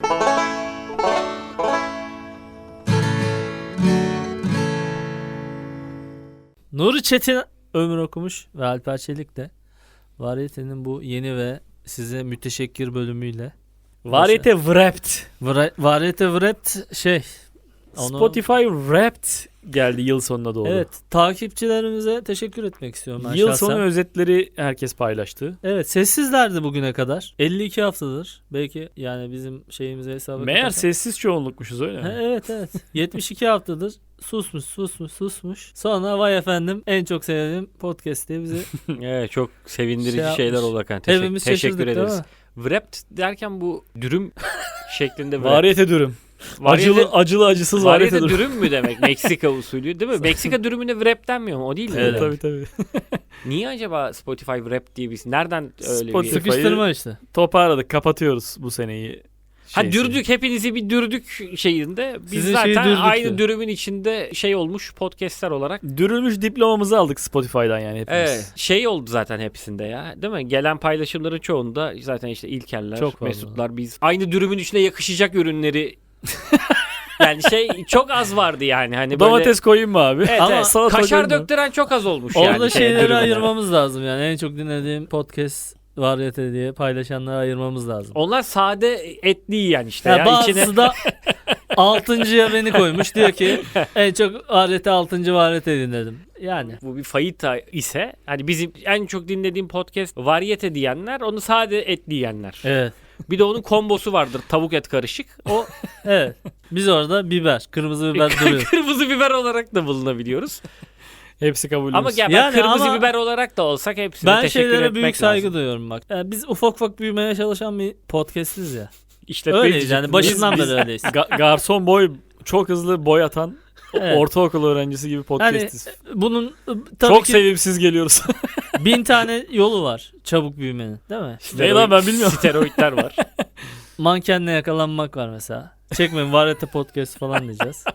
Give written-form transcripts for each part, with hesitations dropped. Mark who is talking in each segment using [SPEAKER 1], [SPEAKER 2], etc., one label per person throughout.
[SPEAKER 1] Nuri Çetin ömür okumuş ve Alper Çelik de Variete'nin bu yeni ve size müteşekkir bölümüyle
[SPEAKER 2] Variete Wrapped.
[SPEAKER 1] Variete Wrapped
[SPEAKER 2] Spotify Wrapped geldi yıl sonuna doğru.
[SPEAKER 1] Evet, takipçilerimize teşekkür etmek istiyorum ben
[SPEAKER 2] Yıl
[SPEAKER 1] şahsen.
[SPEAKER 2] sonu özetleri herkes paylaştı.
[SPEAKER 1] Evet, sessizlerdi bugüne kadar. 52 haftadır. Belki yani bizim şeyimize hesaba
[SPEAKER 2] Meğer
[SPEAKER 1] katarsak.
[SPEAKER 2] sessiz çoğunlukmuşuz öyle mi?
[SPEAKER 1] Evet. 72 haftadır susmuş. Sonra vay efendim en çok sevdiğim podcast diye bizi
[SPEAKER 3] Evet, çok sevindirici
[SPEAKER 1] Şey
[SPEAKER 3] şeyler
[SPEAKER 1] yapmış.
[SPEAKER 3] oldu Hakan.
[SPEAKER 1] hepimiz
[SPEAKER 3] Teşekkür
[SPEAKER 1] şaşırdık değil
[SPEAKER 3] ederiz.
[SPEAKER 1] mi?
[SPEAKER 3] Wrapped derken bu dürüm şeklinde
[SPEAKER 2] Variete dürüm.
[SPEAKER 3] Variete-
[SPEAKER 2] Acılı acısız variete
[SPEAKER 3] Variete
[SPEAKER 2] dürüm.
[SPEAKER 3] dürüm mü demek? Meksika usulü değil mi? Meksika dürümüne wrap denmiyor mu? O değil mi?
[SPEAKER 1] Evet.
[SPEAKER 2] Tabii.
[SPEAKER 3] Niye acaba Spotify Wrap diye bir isim? Nereden öyle
[SPEAKER 2] Spotify-
[SPEAKER 3] bir...
[SPEAKER 1] Sıkıştırma işte.
[SPEAKER 2] Toparladık, kapatıyoruz bu seneyi.
[SPEAKER 3] Ha dürdük, hepinizi bir dürdük şeyinde. Biz
[SPEAKER 1] Sizin
[SPEAKER 3] zaten
[SPEAKER 1] şeyi dürdük
[SPEAKER 3] aynı
[SPEAKER 1] ya.
[SPEAKER 3] dürümün içinde şey olmuş podcastler olarak.
[SPEAKER 2] Dürülmüş diplomamızı aldık Spotify'dan yani hepimiz.
[SPEAKER 3] Evet. Şey oldu zaten hepsinde ya. Değil mi? Gelen paylaşımların çoğunda zaten işte İlkerler,
[SPEAKER 1] Çok fazla.
[SPEAKER 3] Mesutlar, biz aynı dürümün içine yakışacak ürünleri yani şey çok az vardı yani. Hani böyle
[SPEAKER 2] Domates koyayım mı abi?
[SPEAKER 3] Evet,
[SPEAKER 1] Ama
[SPEAKER 3] evet.
[SPEAKER 2] salata
[SPEAKER 3] Kaşar
[SPEAKER 2] koyayım mı?
[SPEAKER 3] döktüren çok az olmuş
[SPEAKER 1] Orada
[SPEAKER 3] yani.
[SPEAKER 1] şeyleri
[SPEAKER 3] dürümüne.
[SPEAKER 1] ayırmamız lazım yani. En çok dinlediğim podcast Variete diye paylaşanları ayırmamız lazım.
[SPEAKER 3] Onlar sade etli yiyen işte
[SPEAKER 1] Ya
[SPEAKER 3] ya.
[SPEAKER 1] bazısı
[SPEAKER 3] İçine...
[SPEAKER 1] da 6.'ya beni koymuş. Diyor ki en çok Variete 6. Variete dinledim. Yani.
[SPEAKER 3] Bu bir fayita ise hani bizim en çok dinlediğim podcast Variete diyenler, onu sade etli yiyenler.
[SPEAKER 1] Evet.
[SPEAKER 3] Bir de onun kombosu vardır, tavuk et karışık. O
[SPEAKER 1] Evet. Biz orada biber, kırmızı biber duruyor.
[SPEAKER 3] kırmızı biber olarak da bulunabiliyoruz.
[SPEAKER 2] Hepsi kabulümüz.
[SPEAKER 3] Ama gel
[SPEAKER 1] Yani
[SPEAKER 3] kırmızı
[SPEAKER 1] ama
[SPEAKER 3] biber olarak da olsak hepsine
[SPEAKER 1] Ben
[SPEAKER 3] teşekkür
[SPEAKER 1] şeylere
[SPEAKER 3] etmek
[SPEAKER 1] büyük saygı
[SPEAKER 3] lazım.
[SPEAKER 1] duyuyorum bak. Biz ufak büyümeye çalışan bir podcastiz ya.
[SPEAKER 2] İşletme
[SPEAKER 1] Öyleyiz
[SPEAKER 2] diyecektim.
[SPEAKER 1] yani başından
[SPEAKER 2] Biz
[SPEAKER 1] beri öyleyiz.
[SPEAKER 2] Garson boy, çok hızlı boy atan
[SPEAKER 1] Evet.
[SPEAKER 2] ortaokul öğrencisi gibi podcastiz.
[SPEAKER 1] Bunun tabii
[SPEAKER 2] Çok
[SPEAKER 1] ki
[SPEAKER 2] sevimsiz geliyoruz.
[SPEAKER 1] 1000 tane yolu var çabuk büyümenin, değil mi?
[SPEAKER 2] Ne lan, ben bilmiyorum.
[SPEAKER 3] Steroidler var.
[SPEAKER 1] Mankenle yakalanmak var mesela. Çekmeyin Varete podcast falan diyeceğiz.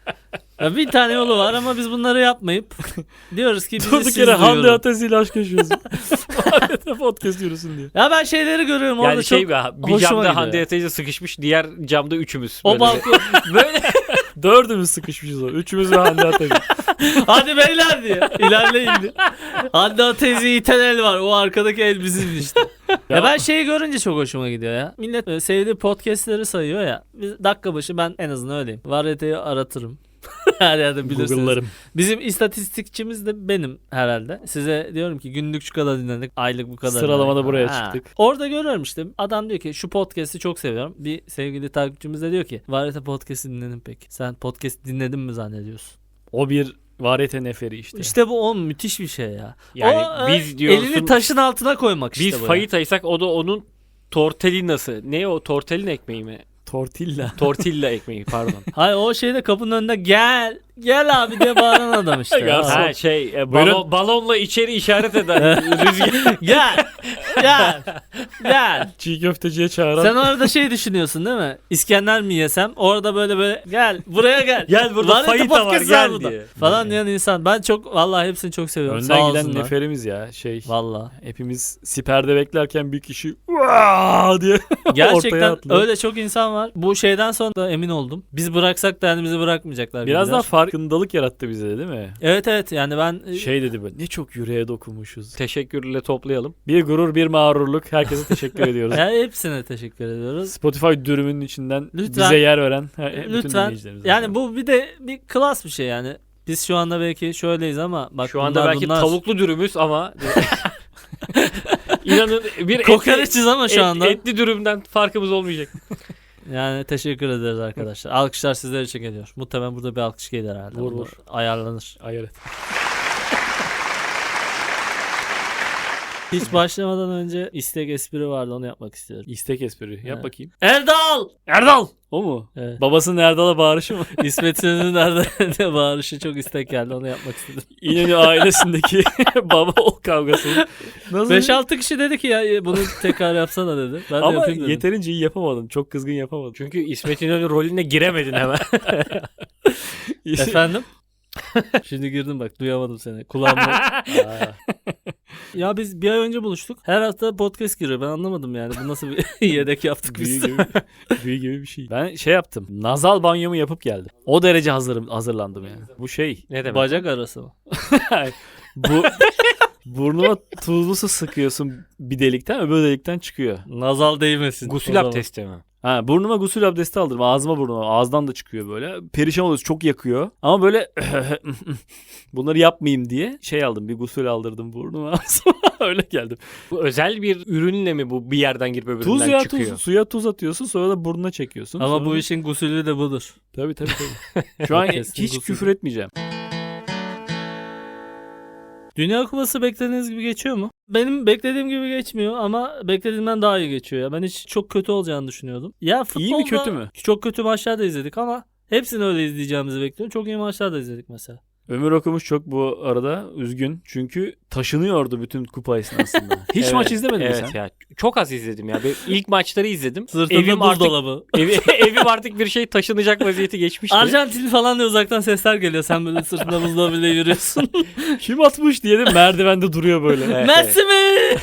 [SPEAKER 1] Ya 1000 tane yolu var ama biz bunları yapmayıp diyoruz ki bizi
[SPEAKER 2] Durduk
[SPEAKER 1] siz
[SPEAKER 2] yere Hande
[SPEAKER 1] duyurun.
[SPEAKER 2] Atezi ile aşk yaşıyoruz. Varete podcast yürüsün diye.
[SPEAKER 1] Ya ben şeyleri görüyorum orada
[SPEAKER 3] Yani
[SPEAKER 1] çok
[SPEAKER 3] şey bir
[SPEAKER 1] hoşuma
[SPEAKER 3] camda
[SPEAKER 1] gidiyor.
[SPEAKER 3] Hande Atezi sıkışmış, diğer camda üçümüz.
[SPEAKER 1] O
[SPEAKER 3] Böyle.
[SPEAKER 1] balkon
[SPEAKER 3] Böyle
[SPEAKER 2] Dördümüz sıkışmışız o. Üçümüz ve Hande Atezi.
[SPEAKER 1] hadi beyler diye ilerleyin diye. Hande Atezi iten el var, o arkadaki el bizim işte. Ya ben şeyi görünce çok hoşuma gidiyor ya. Millet sevdiği podcastleri sayıyor ya. Biz dakika başı ben en azından öyleyim. Variete'yi aratırım. Her yerde bilirsiniz.
[SPEAKER 2] Google'larım.
[SPEAKER 1] Bizim istatistikçimiz de benim herhalde. Size diyorum ki günlük şu kadar dinledik, aylık bu kadar.
[SPEAKER 2] Sıralamada
[SPEAKER 1] dinledik.
[SPEAKER 2] buraya
[SPEAKER 1] Ha.
[SPEAKER 2] çıktık.
[SPEAKER 1] Orada görüyorum işte, adam diyor ki şu podcast'i çok seviyorum. Bir sevgili takipçimiz de diyor ki Variete podcast'i dinledin peki. Sen podcast dinledin mi zannediyorsun?
[SPEAKER 2] O bir Varete neferi işte.
[SPEAKER 1] İşte bu o müthiş bir şey ya.
[SPEAKER 3] yani
[SPEAKER 1] O,
[SPEAKER 3] biz diyorsun.
[SPEAKER 1] elini taşın altına koymak işte
[SPEAKER 3] Biz
[SPEAKER 1] bu ya.
[SPEAKER 3] fayitaysak o da onun tortellinası. Ne o, tortellin ekmeği mi?
[SPEAKER 2] Tortilla.
[SPEAKER 3] Tortilla ekmeği pardon.
[SPEAKER 1] Hayır, o şeyde kapının önünde gel abi diye bağıran adam işte.
[SPEAKER 2] Garson.
[SPEAKER 1] Ha.
[SPEAKER 3] Ha şey
[SPEAKER 2] Buyurun.
[SPEAKER 3] balonla içeri işaret eden rüzgar.
[SPEAKER 1] Gel.
[SPEAKER 2] Çiğ köfteciye çağıran.
[SPEAKER 1] Sen orada şey düşünüyorsun değil mi? İskender mi yesem? Orada böyle gel buraya gel.
[SPEAKER 3] Gel burada
[SPEAKER 1] Variete
[SPEAKER 3] fayita var,
[SPEAKER 1] podcast
[SPEAKER 3] gel
[SPEAKER 1] burada.
[SPEAKER 3] diye.
[SPEAKER 1] Falan diyen insan. Ben çok vallahi hepsini çok seviyorum. Sağ
[SPEAKER 2] Önden giden
[SPEAKER 1] olsunlar.
[SPEAKER 2] neferimiz ya.
[SPEAKER 1] Vallahi.
[SPEAKER 2] Hepimiz siperde beklerken bir kişi "Vaa!" diye ortaya
[SPEAKER 1] Gerçekten
[SPEAKER 2] atlıyor.
[SPEAKER 1] öyle çok insan var. Bu şeyden sonra da emin oldum. Biz bıraksak da yani bizi bırakmayacaklar.
[SPEAKER 2] Biraz
[SPEAKER 1] gibiler.
[SPEAKER 2] daha farkındalık yarattı bize de değil mi?
[SPEAKER 1] Evet yani ben
[SPEAKER 2] Şey dedi böyle, ne çok yüreğe dokunmuşuz.
[SPEAKER 3] Teşekkürle toplayalım.
[SPEAKER 2] Bir gurur, bir mağrurluk. Herkese teşekkür ediyoruz.
[SPEAKER 1] yani hepsine teşekkür ediyoruz.
[SPEAKER 2] Spotify dürümünün içinden
[SPEAKER 1] Lütfen.
[SPEAKER 2] bize yer veren bütün
[SPEAKER 1] Lütfen.
[SPEAKER 2] dinleyicilerimize.
[SPEAKER 1] Yani bu bir de bir klas bir şey yani. Biz şu anda belki şöyleyiz ama bak
[SPEAKER 3] Şu anda belki
[SPEAKER 1] bunlar
[SPEAKER 3] tavuklu dürümüz ama İnanın bir
[SPEAKER 1] kokoreçiz ama şu anda.
[SPEAKER 3] etli dürümden farkımız olmayacak.
[SPEAKER 1] Yani teşekkür ederiz arkadaşlar. Alkışlar sizler için geliyor. Muhtemelen burada bir alkış gelir herhalde.
[SPEAKER 2] Vur,
[SPEAKER 1] Bunu
[SPEAKER 2] vur.
[SPEAKER 1] ayarlanır.
[SPEAKER 2] Ayar et.
[SPEAKER 1] Hiç başlamadan önce istek espri vardı, onu yapmak istiyorum.
[SPEAKER 2] İstek espri. Yap
[SPEAKER 1] Evet.
[SPEAKER 2] bakayım.
[SPEAKER 1] Erdal!
[SPEAKER 2] Erdal! O mu?
[SPEAKER 1] Evet.
[SPEAKER 2] Babasının Erdal'a bağırışı mı?
[SPEAKER 1] İsmet İnönü'nün nerede bağırışı çok istek geldi, onu yapmak istedim.
[SPEAKER 2] İnönü ailesindeki baba o kavgası. Nasıl?
[SPEAKER 1] 5-6 kişi dedi ki ya bunu tekrar yapsana dedi. Ben de
[SPEAKER 2] Ama
[SPEAKER 1] yapayım dedim.
[SPEAKER 2] yeterince iyi yapamadın. Çok kızgın yapamadın.
[SPEAKER 3] Çünkü İsmet İnönü rolüne giremedin hemen.
[SPEAKER 1] Efendim? Şimdi girdim bak, duyamadım seni. Kulağımda. Ya biz bir ay önce buluştuk. Her hafta podcast giriyor. Ben anlamadım yani. Bu nasıl bir yedek yaptık
[SPEAKER 2] Büyü
[SPEAKER 1] biz.
[SPEAKER 2] büyü gibi bir şey. Ben şey yaptım. Nazal banyomu yapıp geldim. O derece hazırlandım yani. Bu şey.
[SPEAKER 3] Ne demek?
[SPEAKER 1] Bacak arası mı?
[SPEAKER 2] Bu burnuna tuzlu su sıkıyorsun bir delikten, öbür delikten çıkıyor.
[SPEAKER 1] Nazal değmesin. o
[SPEAKER 3] Gusül
[SPEAKER 1] zaman.
[SPEAKER 3] abdesti mi?
[SPEAKER 2] Ha, burnuma gusül abdesti aldırdım. Ağzıma burnuma. Ağızdan da çıkıyor böyle. Perişan oluyorsun. Çok yakıyor. Ama böyle bunları yapmayayım diye şey aldım. Bir gusül aldırdım burnuma. Öyle geldim.
[SPEAKER 3] Bu özel bir ürünle mi bu bir yerden girip öbüründen
[SPEAKER 2] Tuz ya
[SPEAKER 3] çıkıyor?
[SPEAKER 2] tuz. Suya tuz atıyorsun. Sonra da burnuna çekiyorsun.
[SPEAKER 1] Ama
[SPEAKER 2] Sonra
[SPEAKER 1] bu işin gusülü de budur.
[SPEAKER 2] Tabii. Şu an
[SPEAKER 1] Kesin
[SPEAKER 2] hiç
[SPEAKER 1] gusül.
[SPEAKER 2] küfür etmeyeceğim.
[SPEAKER 1] Dünya Kupası beklediğiniz gibi geçiyor mu? Benim beklediğim gibi geçmiyor ama beklediğimden daha iyi geçiyor ya. Ben hiç çok kötü olacağını düşünüyordum. Ya futbolda
[SPEAKER 2] İyi mi, kötü mü?
[SPEAKER 1] Çok kötü maçlar da izledik ama hepsini öyle izleyeceğimizi bekliyorum. Çok iyi maçlar da izledik mesela.
[SPEAKER 2] Ömür Okumuş çok bu arada üzgün. Çünkü taşınıyordu bütün kupa esnasında. Hiç
[SPEAKER 3] Evet,
[SPEAKER 2] maç izlemedin mi
[SPEAKER 3] evet
[SPEAKER 2] sen?
[SPEAKER 3] ya. Çok az izledim ya. İlk maçları izledim.
[SPEAKER 1] Sırtında
[SPEAKER 3] Evim artık
[SPEAKER 1] buzdolabı.
[SPEAKER 3] evim artık bir şey taşınacak vaziyeti geçmişti.
[SPEAKER 1] Arjantin falan diye uzaktan sesler geliyor. Sen böyle sırtında buzdolabıyla yürüyorsun.
[SPEAKER 2] Kim atmış diye de merdivende duruyor böyle.
[SPEAKER 3] Evet,
[SPEAKER 1] Messi mi?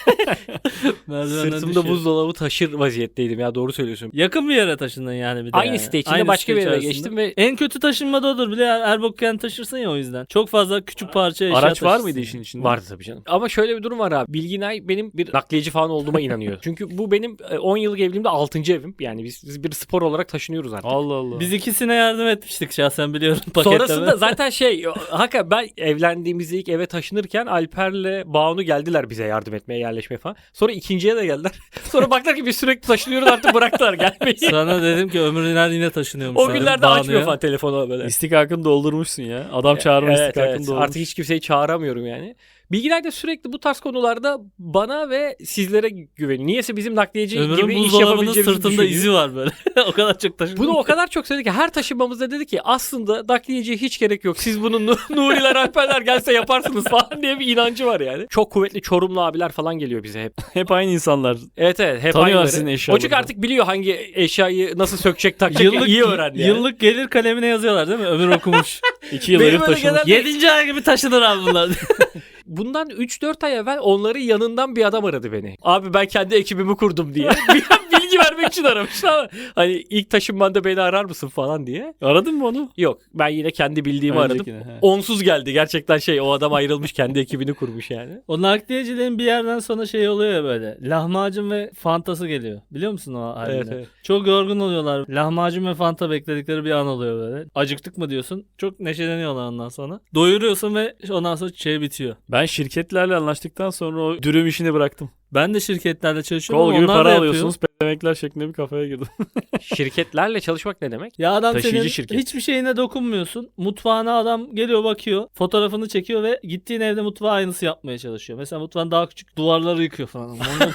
[SPEAKER 1] Merdivenden
[SPEAKER 3] Sırtımda
[SPEAKER 1] düşüyor.
[SPEAKER 3] buzdolabı taşır vaziyetteydim ya, doğru söylüyorsun.
[SPEAKER 1] Yakın bir yere taşındın yani bir de.
[SPEAKER 3] Aynı
[SPEAKER 1] yani.
[SPEAKER 3] site içinde
[SPEAKER 1] Aynı
[SPEAKER 3] başka bir
[SPEAKER 1] site
[SPEAKER 3] yere
[SPEAKER 1] içerisinde.
[SPEAKER 3] geçtim ve
[SPEAKER 1] En kötü taşınma da odur. Bir de Erbokken taşırsın ya o yüzden. Çok fazla küçük parça eşya
[SPEAKER 2] Araç var
[SPEAKER 1] taşırsın.
[SPEAKER 2] mıydı işin içinde?
[SPEAKER 3] vardı tabii canım. Ama şöyle bir durum var abi. Bilginay benim bir nakliyeci falan olduğuma inanıyor. Çünkü bu benim 10 yıllık evliliğimde 6. evim. Yani biz bir spor olarak taşınıyoruz artık.
[SPEAKER 2] Allah Allah.
[SPEAKER 1] Biz ikisine yardım etmiştik şahsen biliyorum paketleme.
[SPEAKER 3] Sonrasında zaten hakikaten ben evlendiğimizde ilk eve taşınırken Alper'le Banu geldiler bize yardım etmeye, yerleşmeye falan. Sonra ikinciye de geldiler. Sonra baktılar ki biz sürekli taşınıyoruz, artık bıraktılar gelmeyi.
[SPEAKER 1] Sana dedim ki Ömür İner yine taşınıyormuş.
[SPEAKER 3] O günlerde açmıyor falan telefonu böyle.
[SPEAKER 2] İstikakını doldurmuşsun ya. Adam çağırma
[SPEAKER 3] Evet,
[SPEAKER 2] istikakını
[SPEAKER 3] evet.
[SPEAKER 2] doldurmuş.
[SPEAKER 3] Artık hiç kimseyi çağıramıyorum yani. Bilginay da sürekli bu tarz konularda bana ve sizlere güveniyor. Niyeyse bizim nakliyeci
[SPEAKER 1] Ömür'ün
[SPEAKER 3] gibi iş
[SPEAKER 1] buzdolabının
[SPEAKER 3] yapabileceğimizi
[SPEAKER 1] sırtında
[SPEAKER 3] düşünüyor.
[SPEAKER 1] izi var böyle. O kadar çok taşındı.
[SPEAKER 3] Bunu o kadar çok söyledi ki her taşınmamızda dedi ki aslında nakliyeciye hiç gerek yok. Siz bunun Nuriler Alperler gelse yaparsınız falan diye bir inancı var yani. Çok kuvvetli Çorumlu abiler falan geliyor bize hep.
[SPEAKER 2] Hep aynı insanlar.
[SPEAKER 3] Evet hep
[SPEAKER 2] Tanıyorlar
[SPEAKER 3] aynıları.
[SPEAKER 2] sizin eşyaları.
[SPEAKER 3] O çünkü artık biliyor hangi eşyayı nasıl sökecek takacak, iyi öğrendi yani.
[SPEAKER 1] Yıllık gelir kalemine yazıyorlar değil mi? Ömür okumuş.
[SPEAKER 2] 2 yıl
[SPEAKER 3] Benim
[SPEAKER 2] herif
[SPEAKER 3] öyle
[SPEAKER 2] taşımış.
[SPEAKER 3] genelde-
[SPEAKER 1] 7. ay gibi taşınır abi bunlar.
[SPEAKER 3] Bundan 3-4 ay evvel onların yanından bir adam aradı beni. Abi ben kendi ekibimi kurdum diye. Bilgi vermek için aramış ama hani ilk taşınmanda beni arar mısın falan diye.
[SPEAKER 2] Aradın mı onu?
[SPEAKER 3] Yok, ben yine kendi bildiğimi aradım.
[SPEAKER 2] Öncekine, he.
[SPEAKER 3] Onsuz geldi. Gerçekten o adam ayrılmış, kendi ekibini kurmuş yani.
[SPEAKER 1] O nakliyeciliğin bir yerden sonra şey oluyor ya böyle. Lahmacun ve fantası geliyor. Biliyor musun o halini?
[SPEAKER 3] Evet, evet.
[SPEAKER 1] Çok yorgun oluyorlar. Lahmacun ve fanta bekledikleri bir an oluyor böyle. Acıktık mı diyorsun. Çok neşeleniyorlar ondan sonra. Doyuruyorsun ve ondan sonra şey bitiyor.
[SPEAKER 2] Ben şirketlerle anlaştıktan sonra o dürüm işini bıraktım.
[SPEAKER 1] Ben de şirketlerle çalışıyorum.
[SPEAKER 2] Kol
[SPEAKER 1] ama
[SPEAKER 2] gibi
[SPEAKER 1] onlar da
[SPEAKER 2] para
[SPEAKER 1] yapıyor.
[SPEAKER 2] alıyorsunuz. Demekler şeklinde bir kafaya girdim.
[SPEAKER 3] Şirketlerle çalışmak ne demek?
[SPEAKER 1] Ya adam
[SPEAKER 2] Taşıyıcı
[SPEAKER 1] senin
[SPEAKER 2] şirket.
[SPEAKER 1] hiçbir şeyine dokunmuyorsun. Mutfağına adam geliyor bakıyor. Fotoğrafını çekiyor ve gittiğin evde mutfağı aynısı yapmaya çalışıyor. Mesela mutfağın daha küçük duvarları yıkıyor falan.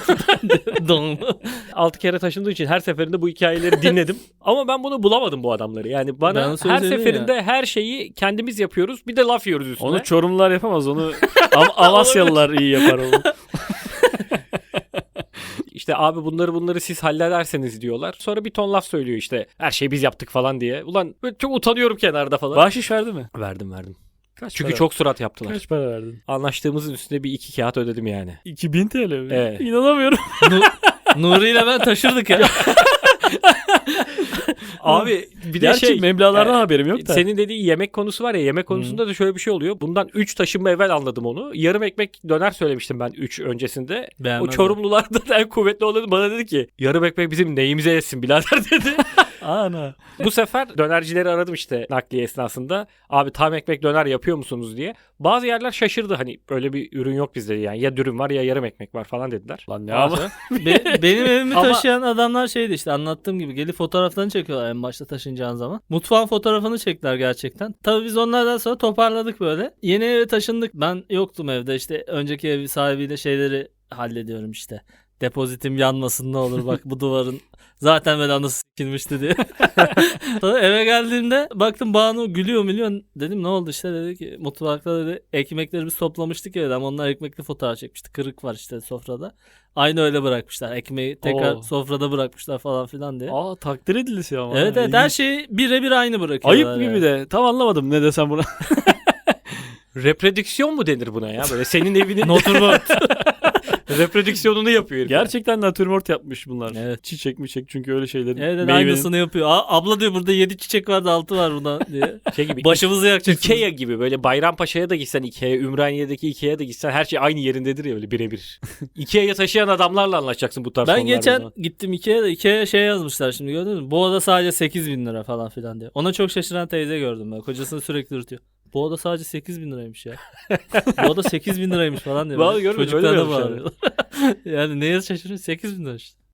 [SPEAKER 1] Don.
[SPEAKER 3] 6 kere taşındığı için her seferinde bu hikayeleri dinledim. Ama ben bunu bulamadım bu adamları. Yani bana
[SPEAKER 1] Ben
[SPEAKER 3] her
[SPEAKER 1] söyleyeyim
[SPEAKER 3] seferinde her şeyi kendimiz yapıyoruz. Bir de laf yiyoruz üstüne.
[SPEAKER 2] Onu Çorumlular yapamaz. Onu Amasyalılar iyi yapar onu.
[SPEAKER 3] İşte abi bunları siz hallederseniz diyorlar. Sonra bir ton laf söylüyor işte. Her şeyi biz yaptık falan diye. Ulan böyle çok utanıyorum kenarda falan.
[SPEAKER 2] Bahşiş verdi mi?
[SPEAKER 3] Verdim.
[SPEAKER 2] Kaç
[SPEAKER 3] Çünkü
[SPEAKER 2] para?
[SPEAKER 3] çok surat yaptılar.
[SPEAKER 2] Kaç para verdin?
[SPEAKER 3] Anlaştığımızın üstüne bir 2 kağıt ödedim yani.
[SPEAKER 2] 2000 TL mi?
[SPEAKER 3] Evet.
[SPEAKER 2] İnanamıyorum.
[SPEAKER 1] Nuri ile ben taşırdık ya.
[SPEAKER 3] Abi bir de
[SPEAKER 2] Gerçi meblağlardan haberim yok da.
[SPEAKER 3] Senin dediğin yemek konusu var ya, yemek konusunda da şöyle bir şey oluyor. Bundan 3 taşınma evvel anladım onu. Yarım ekmek döner söylemiştim ben 3 öncesinde.
[SPEAKER 1] Beğenmez
[SPEAKER 3] O Çorumlulardan en kuvvetli olanı bana dedi ki yarım ekmek bizim neyimize yesin birader dedi.
[SPEAKER 2] Ana.
[SPEAKER 3] Bu sefer dönercileri aradım işte nakliye esnasında. Abi tam ekmek döner yapıyor musunuz diye. Bazı yerler şaşırdı, hani öyle bir ürün yok bizde yani. Ya dürüm var ya yarım ekmek var falan dediler.
[SPEAKER 2] Lan ne
[SPEAKER 3] Ama-
[SPEAKER 2] ama?
[SPEAKER 1] Benim evimi
[SPEAKER 3] Ama-
[SPEAKER 1] taşıyan adamlar şeydi işte anlattığım gibi gelip fotoğraflarını çekiyorlar en başta taşınacağın zaman. Mutfağın fotoğrafını çektiler gerçekten. Tabii biz onlardan sonra toparladık böyle. Yeni eve taşındık. Ben yoktum evde, işte önceki ev sahibiyle şeyleri hallediyorum işte. Depozitim yanmasın ne olur bak bu duvarın zaten böyle anası sikilmişti diye. Sonra eve geldiğimde baktım Banu gülüyor milyon. Dedim ne oldu işte, dedi ki mutfakta dedi ekmekleri biz toplamıştık ya ama onlar ekmekli fotoğraf çekmişti. Kırık var işte sofrada. Aynı öyle bırakmışlar. Ekmeği tekrar
[SPEAKER 2] Oo.
[SPEAKER 1] sofrada bırakmışlar falan filan diye.
[SPEAKER 2] Aa, takdir edilisi ama.
[SPEAKER 1] Evet her şeyi birebir aynı bırakıyorlar.
[SPEAKER 2] Ayıp gibi de. Tam anlamadım ne desem buna.
[SPEAKER 3] Reprodüksiyon mu denir buna ya? Böyle senin evinin
[SPEAKER 1] Naturmort.
[SPEAKER 3] reprodüksiyonunu yapıyor herif.
[SPEAKER 2] Gerçekten natürmort yapmış bunlar.
[SPEAKER 1] Evet.
[SPEAKER 2] Çiçek mi çek çünkü öyle şeylerin.
[SPEAKER 1] Evet,
[SPEAKER 2] meyvenin-
[SPEAKER 1] aynısını yapıyor. Abla diyor burada 7 çiçek vardı 6 var buna diye.
[SPEAKER 3] Şey gibi.
[SPEAKER 1] Başımızı yakacaksınız.
[SPEAKER 3] Ikea gibi böyle Bayrampaşa'ya da gitsen Ikea, Ümraniye'deki Ikea'ya da gitsen her şey aynı yerindedir ya öyle birebir. Ikea'ya taşıyan adamlarla anlaşacaksın bu tarz
[SPEAKER 1] Ben
[SPEAKER 3] konularda o
[SPEAKER 1] geçen
[SPEAKER 3] zaman.
[SPEAKER 1] gittim Ikea'da. Ikea'ya şey yazmışlar şimdi gördün mü? Bu oda sadece 8.000 lira falan filan diye. Ona çok şaşıran teyze gördüm ben. Kocasını sürekli ürtüyor. Bu oda sadece 8.000 liraymış ya. Bu oda 8.000 liraymış falan diyor.
[SPEAKER 3] Vallahi görmedim,
[SPEAKER 1] Çocuklar
[SPEAKER 3] öyle
[SPEAKER 1] da
[SPEAKER 3] yazmışlar.
[SPEAKER 1] bağırıyorlar. Yani neye şaşırıyorsun? 8.000 lira işte.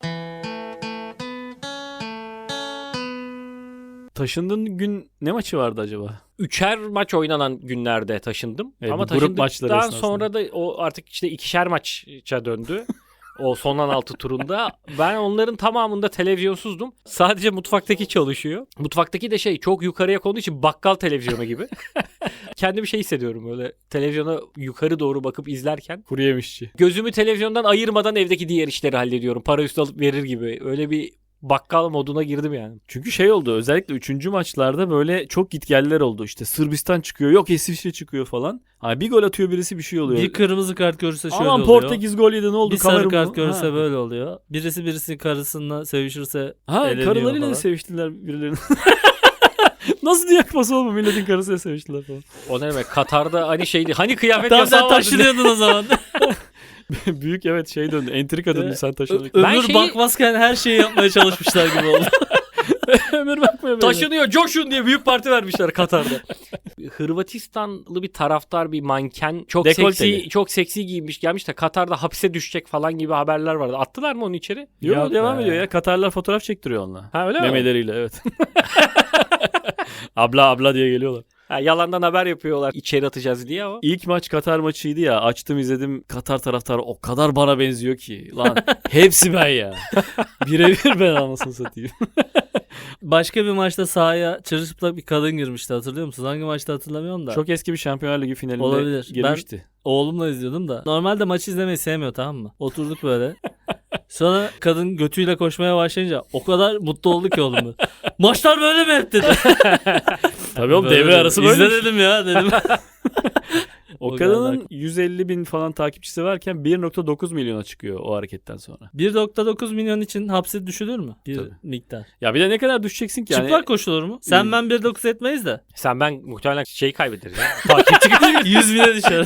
[SPEAKER 2] Taşındığın gün ne maçı vardı acaba?
[SPEAKER 3] 3'er maç oynanan günlerde taşındım.
[SPEAKER 2] Evet,
[SPEAKER 3] Ama
[SPEAKER 2] bu grup maçları
[SPEAKER 3] taşındıktan
[SPEAKER 2] esnasında.
[SPEAKER 3] sonra da o artık işte 2'şer maça döndü. O son 16 turunda. Ben onların tamamında televizyonsuzdum. Sadece mutfaktaki çalışıyor. Mutfaktaki de çok yukarıya konduğu için bakkal televizyonu gibi. Kendimi hissediyorum böyle televizyona yukarı doğru bakıp izlerken.
[SPEAKER 2] Kuru yemişçi.
[SPEAKER 3] Gözümü televizyondan ayırmadan evdeki diğer işleri hallediyorum. Para üstü alıp verir gibi. Öyle bir bakkal moduna girdim yani.
[SPEAKER 2] Çünkü şey oldu özellikle 3. maçlarda böyle çok gitgeller oldu. İşte Sırbistan çıkıyor yok İsviçre çıkıyor falan. Hani bir gol atıyor birisi bir şey oluyor.
[SPEAKER 1] Bir kırmızı kart görürse şöyle
[SPEAKER 2] Aman
[SPEAKER 1] oluyor.
[SPEAKER 2] Portekiz gol yedi ne oldu?
[SPEAKER 1] Bir sarı
[SPEAKER 2] Kamera
[SPEAKER 1] kart
[SPEAKER 2] mı?
[SPEAKER 1] görürse
[SPEAKER 2] Ha.
[SPEAKER 1] böyle oluyor. Birisi karısıyla sevişirse
[SPEAKER 2] Ha
[SPEAKER 1] eleniyor
[SPEAKER 2] karılarıyla
[SPEAKER 1] falan.
[SPEAKER 2] da seviştiler birilerini. Nasıl Dünya Kupası olma milletin karısıyla seviştiler falan.
[SPEAKER 3] O ne demek? Katar'da hani hani kıyafet
[SPEAKER 1] Tam
[SPEAKER 3] yasağı
[SPEAKER 1] sen
[SPEAKER 3] vardı.
[SPEAKER 1] taşınıyordun o zaman.
[SPEAKER 2] Büyük evet şey döndü. Entrika döndü sen taşınarak.
[SPEAKER 3] Ben
[SPEAKER 1] Ömür bakmazken her şeyi yapmaya çalışmışlar gibi oldu.
[SPEAKER 2] Ömür bakmıyor böyle.
[SPEAKER 3] Taşınıyor coşun diye büyük parti vermişler Katar'da. Hırvatistanlı bir taraftar bir manken
[SPEAKER 2] Dekolteli.
[SPEAKER 3] çok seksi giyinmiş gelmiş de Katar'da hapse düşecek falan gibi haberler vardı. Attılar mı onu içeri?
[SPEAKER 2] Yo,
[SPEAKER 1] Yok
[SPEAKER 2] devam
[SPEAKER 1] be.
[SPEAKER 2] ediyor ya. Katarlar fotoğraf çektiriyor onunla.
[SPEAKER 3] Ha öyle mi?
[SPEAKER 2] Memeleriyle evet. abla diye geliyorlar.
[SPEAKER 3] Ha, yalandan haber yapıyorlar içeri atacağız diye ama.
[SPEAKER 2] İlk maç Katar maçıydı ya. Açtım izledim. Katar taraftarı o kadar bana benziyor ki. Lan hepsi ben ya. Birebir ben anasını satayım.
[SPEAKER 1] Başka bir maçta sahaya çırılçıplak bir kadın girmişti hatırlıyor musunuz? Hangi maçta hatırlamıyorum da.
[SPEAKER 2] Çok eski bir Şampiyonlar Ligi finalinde
[SPEAKER 1] Olabilir.
[SPEAKER 2] girmişti.
[SPEAKER 1] Oğlumla izliyordum da. Normalde maçı izlemeyi sevmiyor tamam mı? Oturduk böyle. Sonra kadın götüyle koşmaya başlayınca o kadar mutlu oldu ki oğlum. Maçlar böyle mi hep dedi.
[SPEAKER 2] Tabii oğlum
[SPEAKER 1] Böyle
[SPEAKER 2] devre
[SPEAKER 1] dedim.
[SPEAKER 2] arası böyle.
[SPEAKER 1] İzle dedim ya dedim.
[SPEAKER 2] O
[SPEAKER 1] O
[SPEAKER 2] kadının
[SPEAKER 1] kadar.
[SPEAKER 2] 150 bin falan takipçisi varken 1.9 milyona çıkıyor o hareketten sonra.
[SPEAKER 1] 1.9 milyon için hapse düşülür mü? Bir
[SPEAKER 2] Tabii.
[SPEAKER 1] miktar.
[SPEAKER 2] Ya bir de ne kadar düşeceksin ki?
[SPEAKER 1] Çıplak koşulur mu? Sen ben 1.9 etmeyiz de.
[SPEAKER 3] Sen ben muhtemelen kaybederiz ya. Takipçi
[SPEAKER 1] 100 bine düşer.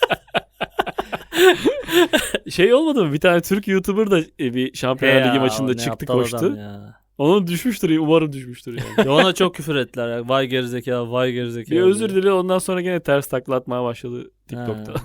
[SPEAKER 2] Şey olmadı mı? Bir tane Türk YouTuber da bir Şampiyonlar Ligi maçında çıktı koştu. Onun düşmüştür. Umarım düşmüştür yani.
[SPEAKER 1] Ya ona çok küfür ettiler ya. Vay gerizekalı, vay gerizekalı.
[SPEAKER 2] Bir özür
[SPEAKER 1] diye.
[SPEAKER 2] dile ondan sonra gene ters takla atmaya başladı TikTok'ta.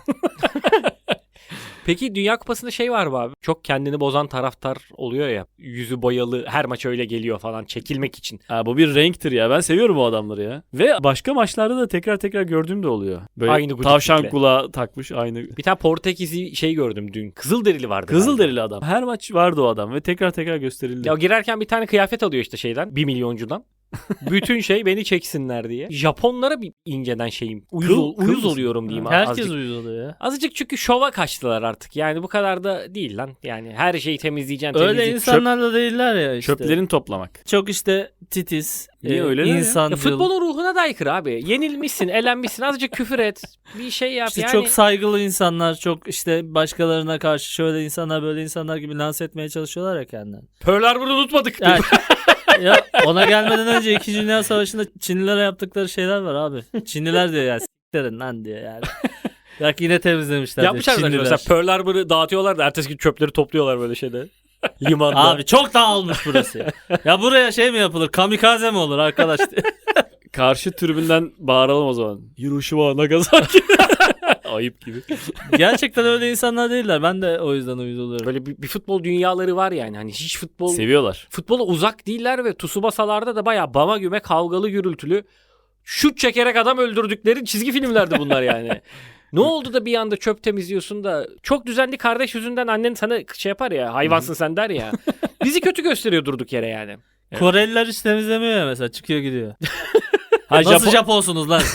[SPEAKER 3] Peki Dünya Kupası'nda var mı abi? Çok kendini bozan taraftar oluyor ya. Yüzü boyalı her maç öyle geliyor falan çekilmek için.
[SPEAKER 2] Ha, bu bir renktir ya. Ben seviyorum o adamları ya. Ve başka maçlarda da tekrar gördüğüm de oluyor. Böyle
[SPEAKER 3] Aynı
[SPEAKER 2] tavşan
[SPEAKER 3] gudiklikle.
[SPEAKER 2] kulağı takmış aynı.
[SPEAKER 3] Bir tane Portekizli gördüm dün. Kızılderili vardı.
[SPEAKER 2] Kızılderili adam. Her maç vardı o adam ve tekrar gösterildi.
[SPEAKER 3] Ya girerken bir tane kıyafet alıyor işte 1 milyoncudan. Bütün beni çeksinler diye. Japonlara bir inceden uyuz
[SPEAKER 2] mısın?
[SPEAKER 3] oluyorum diyeyim.
[SPEAKER 1] Herkes
[SPEAKER 3] azıcık.
[SPEAKER 1] uyuz oluyor ya.
[SPEAKER 3] Azıcık çünkü şova kaçtılar artık. Yani bu kadar da değil lan. Yani her şeyi temizleyeceksin.
[SPEAKER 1] Öyle insanlar da değiller ya işte.
[SPEAKER 2] Çöplerini toplamak.
[SPEAKER 1] Çok işte titiz,
[SPEAKER 2] Niye öyleler ya?
[SPEAKER 1] insancıl.
[SPEAKER 3] Futbolun ruhuna da aykırı abi. Yenilmişsin, elenmişsin. Azıcık küfür et. Bir şey yap
[SPEAKER 1] İşte
[SPEAKER 3] yani.
[SPEAKER 1] çok saygılı insanlar, çok işte başkalarına karşı şöyle insanlar böyle insanlar gibi lanse etmeye çalışıyorlar ya kendilerini.
[SPEAKER 3] Pearl Harbor'u unutmadık.
[SPEAKER 1] Yani, ya ona gelmeden önce 2. Dünya Savaşı'nda Çinlilere yaptıkları şeyler var abi. Çinliler diyor ya s**lerin lan diyor yani. Bak yine temizlemişler
[SPEAKER 3] Yapmışlar
[SPEAKER 1] diyor
[SPEAKER 3] da
[SPEAKER 1] Çinliler.
[SPEAKER 3] mesela Pearl Harbor'u dağıtıyorlar da ertesi gün çöpleri topluyorlar böyle Limanda.
[SPEAKER 1] Abi çok dağılmış burası ya. Ya buraya mi yapılır? Kamikaze mi olur arkadaş diye.
[SPEAKER 2] Karşı tribünden bağıralım o zaman. Hiroşima Nagasaki. Ayıp gibi.
[SPEAKER 1] Gerçekten öyle insanlar değiller. Ben de o yüzden uyuz oluyorum.
[SPEAKER 3] Böyle bir futbol dünyaları var yani. Hani hiç
[SPEAKER 2] Seviyorlar.
[SPEAKER 3] futbola uzak değiller ve Tsubasa'larda da bayağı bama güme kavgalı gürültülü şut çekerek adam öldürdükleri çizgi filmlerdi bunlar yani. Ne oldu da bir anda çöp temizliyorsun da çok düzenli kardeş yüzünden annen sana yapar ya hayvansın sen der ya. Bizi kötü gösteriyor durduk yere yani.
[SPEAKER 1] Koreliler hiç temizlemiyor ya mesela. Çıkıyor gidiyor.
[SPEAKER 2] Ha,
[SPEAKER 1] Nasıl Japonsunuz lan?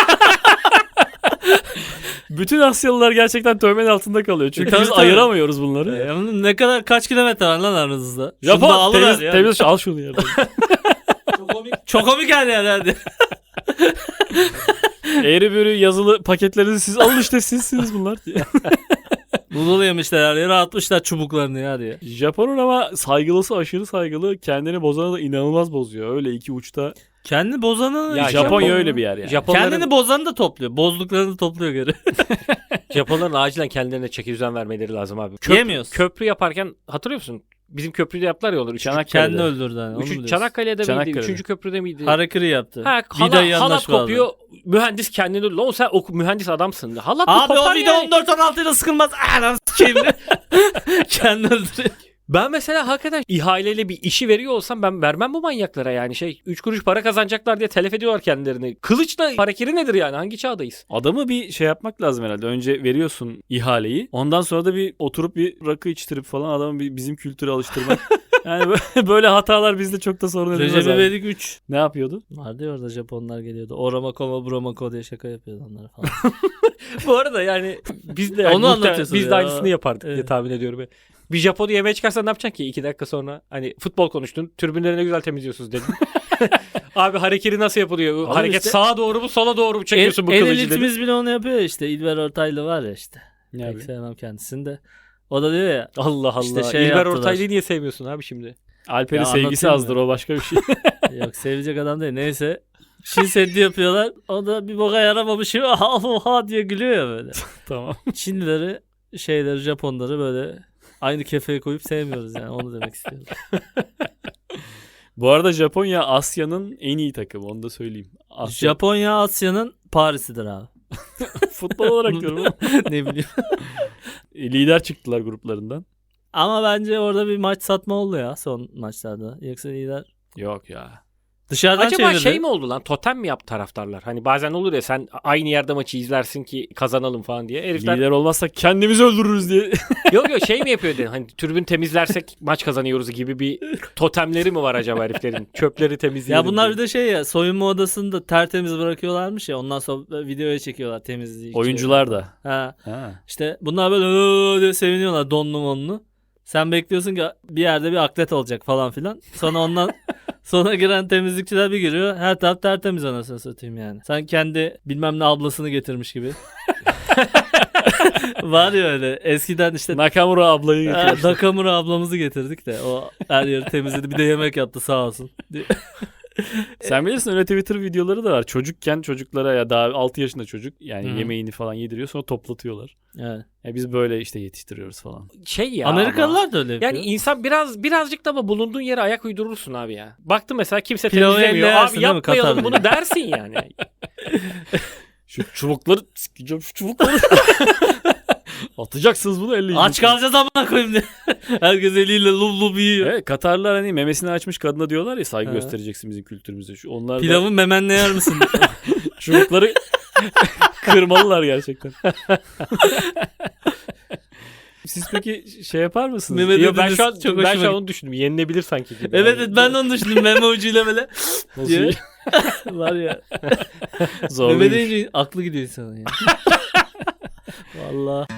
[SPEAKER 2] Bütün Asyalılar gerçekten tövmenin altında kalıyor. Çünkü
[SPEAKER 1] Tabii,
[SPEAKER 2] biz
[SPEAKER 1] tabii.
[SPEAKER 2] ayıramıyoruz bunları.
[SPEAKER 1] Ne kadar kaç kilometre var lan aranızda? Şunu da
[SPEAKER 2] Japon
[SPEAKER 1] alıver
[SPEAKER 2] temiz,
[SPEAKER 1] ya.
[SPEAKER 2] temiz al şunu yerden.
[SPEAKER 1] Çok komik her yer hadi.
[SPEAKER 2] Eğri bürü yazılı paketlerinizi siz alın işte sizsiniz bunlar diye.
[SPEAKER 1] Noodle yemişler her yere atmışlar çubuklarını ya diye.
[SPEAKER 2] Japon'un ama saygılısı aşırı saygılı. Kendini bozana da inanılmaz bozuyor. Öyle iki uçta.
[SPEAKER 1] Kendini bozanı...
[SPEAKER 3] Ya
[SPEAKER 2] Japonya öyle bir yer yani.
[SPEAKER 3] Japonların,
[SPEAKER 1] Kendini bozanı da topluyor. Bozduklarını topluyor geri.
[SPEAKER 3] Japonların acilen kendilerine çekidüzen vermeleri lazım abi.
[SPEAKER 1] Yemiyoruz.
[SPEAKER 3] Köprü yaparken hatırlıyor musun? Bizim köprüde yaptılar ya olur.
[SPEAKER 2] Çanakkale'de.
[SPEAKER 1] Kendini öldürdü hani. Onu mu diyorsun?
[SPEAKER 3] Çanakkale'de miydi?
[SPEAKER 2] Çanakkale'de.
[SPEAKER 3] Üçüncü köprüde miydi?
[SPEAKER 1] Harakiri yaptı.
[SPEAKER 3] Ha,
[SPEAKER 1] Vidayı
[SPEAKER 3] halat
[SPEAKER 1] yanlış bağladı.
[SPEAKER 3] kopuyor. Mühendis kendini öldürdü. Oğlum sen mühendis adamsın. Halat mı
[SPEAKER 1] Abi o
[SPEAKER 3] kopar
[SPEAKER 1] vida
[SPEAKER 3] yani?
[SPEAKER 1] 14-16 ile sıkılmaz. Anam s**eyim. Kendini öldürüyor.
[SPEAKER 3] Ben mesela hakikaten ihaleyle bir işi veriyor olsam ben vermem bu manyaklara yani 3 kuruş para kazanacaklar diye telef ediyorlar kendilerini. Kılıçla hareketi nedir yani? Hangi çağdayız?
[SPEAKER 2] Adamı bir şey yapmak lazım herhalde. Önce veriyorsun ihaleyi. Ondan sonra da bir oturup bir rakı içtirip falan adamı bizim kültüre alıştırmak. Yani böyle hatalar bizde çok da sorun edilmez.
[SPEAKER 1] Recep
[SPEAKER 2] abi.
[SPEAKER 1] İvedik 3.
[SPEAKER 2] Ne yapıyordu?
[SPEAKER 1] Vardı ya orada Japonlar geliyordu. Oramako Bromako diye şaka yapıyordu onlara falan.
[SPEAKER 3] Bu arada yani biz de yani
[SPEAKER 1] Onu anlatıyorsun
[SPEAKER 3] biz de
[SPEAKER 1] ya.
[SPEAKER 3] aynısını yapardık diye
[SPEAKER 1] Evet.
[SPEAKER 3] tahmin ediyorum. Bir Japon'u yemeğe çıkarsan ne yapacaksın ki? 2 dakika sonra hani futbol konuştun. Tribünleri ne güzel temizliyorsunuz dedin. Abi hareketi nasıl yapılıyor?
[SPEAKER 1] Oğlum
[SPEAKER 3] Hareket
[SPEAKER 1] işte-
[SPEAKER 3] sağa doğru mu sola doğru mu çekiyorsun bu
[SPEAKER 1] en
[SPEAKER 3] kılıcı dedin.
[SPEAKER 1] elitimiz bile onu yapıyor ya işte. İlber Ortaylı var ya işte.
[SPEAKER 2] Ne
[SPEAKER 1] Pek
[SPEAKER 2] yapıyor?
[SPEAKER 1] sevmem kendisini de. O da diyor ya.
[SPEAKER 3] Allah Allah.
[SPEAKER 1] İşte şey
[SPEAKER 3] İlber
[SPEAKER 1] yaptılar.
[SPEAKER 3] Ortaylı'yı niye sevmiyorsun abi şimdi?
[SPEAKER 2] Alper'in
[SPEAKER 1] Ya
[SPEAKER 2] sevgisi
[SPEAKER 1] anlatayım
[SPEAKER 2] azdır
[SPEAKER 1] mı?
[SPEAKER 2] o başka bir şey.
[SPEAKER 1] Yok sevecek adam değil. Neyse. Çin Seddi yapıyorlar. O da bir boka yaramamış. Ha diye gülüyor ya böyle.
[SPEAKER 2] Tamam.
[SPEAKER 1] Çinlileri, Japonları böyle aynı kefeye koyup sevmiyoruz yani. Onu demek istiyorum.
[SPEAKER 2] Bu arada Japonya Asya'nın en iyi takımı onu da söyleyeyim. Asya.
[SPEAKER 1] Japonya Asya'nın Paris'idir abi.
[SPEAKER 2] Futbol olarak diyorum ama.
[SPEAKER 1] Ne bileyim.
[SPEAKER 2] Lider çıktılar gruplarından.
[SPEAKER 1] Ama bence orada bir maç satma oldu ya son maçlarda. Yoksa lider
[SPEAKER 2] Yok ya.
[SPEAKER 1] dışarıdan
[SPEAKER 3] Acaba
[SPEAKER 1] çevirdi.
[SPEAKER 3] şey mi oldu lan? Totem mi yaptı taraftarlar? Hani bazen olur ya sen aynı yerde maçı izlersin ki kazanalım falan diye. Herifler
[SPEAKER 2] Lider olmazsak kendimizi öldürürüz diye.
[SPEAKER 3] yok şey mi yapıyor dedi. Hani tribün temizlersek maç kazanıyoruz gibi bir totemleri mi var acaba heriflerin? Çöpleri temizleyelim.
[SPEAKER 1] Ya bunlar bir
[SPEAKER 3] diye.
[SPEAKER 1] de şey ya soyunma odasını da tertemiz bırakıyorlarmış ya ondan sonra videoya çekiyorlar temizliği.
[SPEAKER 2] Oyuncular da.
[SPEAKER 1] Ha.
[SPEAKER 2] Ha.
[SPEAKER 1] İşte bunlar böyle "Hı" diye seviniyorlar donlu monlu. Sen bekliyorsun ki bir yerde bir atlet olacak falan filan. Sonra ondan sonra giren temizlikçiler bir giriyor. Her taraf tertemiz anasını satayım yani. Sen kendi bilmem ne ablasını getirmiş gibi. Var ya öyle. Eskiden işte
[SPEAKER 2] Nakamura ablayı getirmişler.
[SPEAKER 1] Nakamura ablamızı getirdik de o her yeri temizledi. Bir de yemek yaptı sağ olsun.
[SPEAKER 2] Sen bilirsin öyle Twitter videoları da var. Çocukken çocuklara ya daha 6 yaşında çocuk yani
[SPEAKER 1] Hı.
[SPEAKER 2] yemeğini falan yediriyor sonra toplatıyorlar.
[SPEAKER 1] Evet.
[SPEAKER 2] Ya biz böyle işte yetiştiriyoruz falan.
[SPEAKER 3] Şey ya.
[SPEAKER 1] Amerikalılar da öyle yapıyor.
[SPEAKER 3] Yani insan birazcık da ama bulunduğun yere ayak uydurursun abi ya. Baktım mesela kimse
[SPEAKER 1] Pilavı
[SPEAKER 3] temizlemiyor.
[SPEAKER 1] elle yersin
[SPEAKER 3] Abi
[SPEAKER 1] değil mi
[SPEAKER 3] yapmayalım
[SPEAKER 1] Katar'da?
[SPEAKER 3] bunu dersin yani.
[SPEAKER 2] Şu çubukları sikeceğim şu çubukları. Atacaksınız bunu elle.
[SPEAKER 1] Aç kalacağız amına koyayım diye. Herkes eliyle lub lub yiyor.
[SPEAKER 2] Evet, Katarlılar hani memesini açmış kadına diyorlar ya saygı
[SPEAKER 1] Ha.
[SPEAKER 2] göstereceksin bizim kültürümüze. Onlar da
[SPEAKER 1] Pilavı memenle yer misin?
[SPEAKER 2] çubukları kırmalılar gerçekten. Siz peki şey yapar mısınız?
[SPEAKER 1] Mehmet
[SPEAKER 3] Yo, ben
[SPEAKER 1] dediniz,
[SPEAKER 3] şu an
[SPEAKER 1] çok
[SPEAKER 3] ben
[SPEAKER 1] hoşuma
[SPEAKER 3] şu an onu düşündüm. Yenilebilir sanki gibi.
[SPEAKER 1] Evet
[SPEAKER 3] Yani.
[SPEAKER 1] ben de onu düşündüm. Meme ucuyla böyle
[SPEAKER 2] Nasıl
[SPEAKER 1] diye.
[SPEAKER 2] iyi?
[SPEAKER 1] Var ya. Meme
[SPEAKER 2] Zorluymuş.
[SPEAKER 1] deyince aklı gidiyor insanın ya. Valla.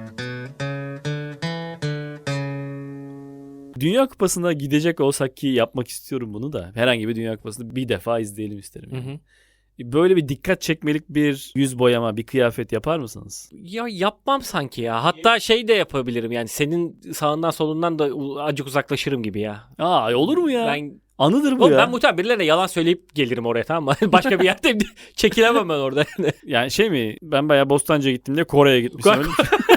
[SPEAKER 2] Dünya Kupası'na gidecek olsak ki yapmak istiyorum bunu da. Herhangi bir Dünya Kupası'nı bir defa izleyelim isterim. Yani. Böyle bir dikkat çekmelik bir yüz boyama, bir kıyafet yapar mısınız?
[SPEAKER 3] Ya yapmam sanki ya. Hatta şey de yapabilirim yani senin sağından solundan da acık uzaklaşırım gibi ya.
[SPEAKER 2] Aa olur mu ya?
[SPEAKER 3] Ben
[SPEAKER 2] Anıdır bu
[SPEAKER 3] Oğlum
[SPEAKER 2] ya.
[SPEAKER 3] ben muhtemelen birilerine yalan söyleyip gelirim oraya tamam mı? Başka bir yerde çekilemem ben orada.
[SPEAKER 2] Yani şey mi? Ben bayağı Bostancı'ya gittim diye Kore'ye gitmişim. Öyle mi?